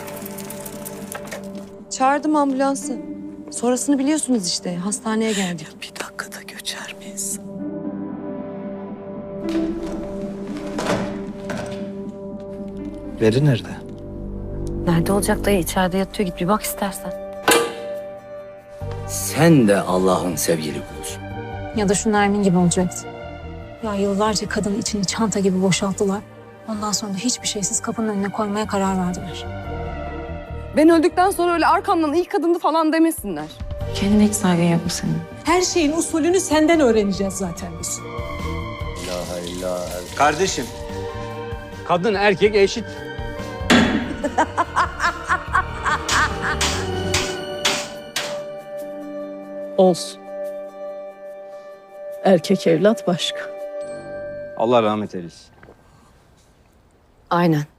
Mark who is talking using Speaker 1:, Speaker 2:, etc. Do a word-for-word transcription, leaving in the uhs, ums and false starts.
Speaker 1: Çağırdım ambulansı. Sonrasını biliyorsunuz işte. Hastaneye geldik.
Speaker 2: Bir dakikada göçer miyiz?
Speaker 3: Veri nerede?
Speaker 4: Nerede olacak dayı? İçeride yatıyor. Git bir bak istersen.
Speaker 5: Sen de Allah'ın sevgili kulusun.
Speaker 6: Ya da şu Nermin gibi olacaktı. Ya yıllarca kadın içini çanta gibi boşalttılar. Ondan sonra da hiçbir şeysiz kapının önüne koymaya karar verdiler.
Speaker 1: Ben öldükten sonra öyle arkamdan iyi kadındı falan demesinler.
Speaker 4: Kendine hiç saygın yok mu senin?
Speaker 7: Her şeyin usulünü senden öğreneceğiz zaten biz.
Speaker 8: Kardeşim, kadın erkek eşit.
Speaker 7: Olsun. Erkek evlat başka.
Speaker 8: Allah rahmet eylesin.
Speaker 4: Aynen.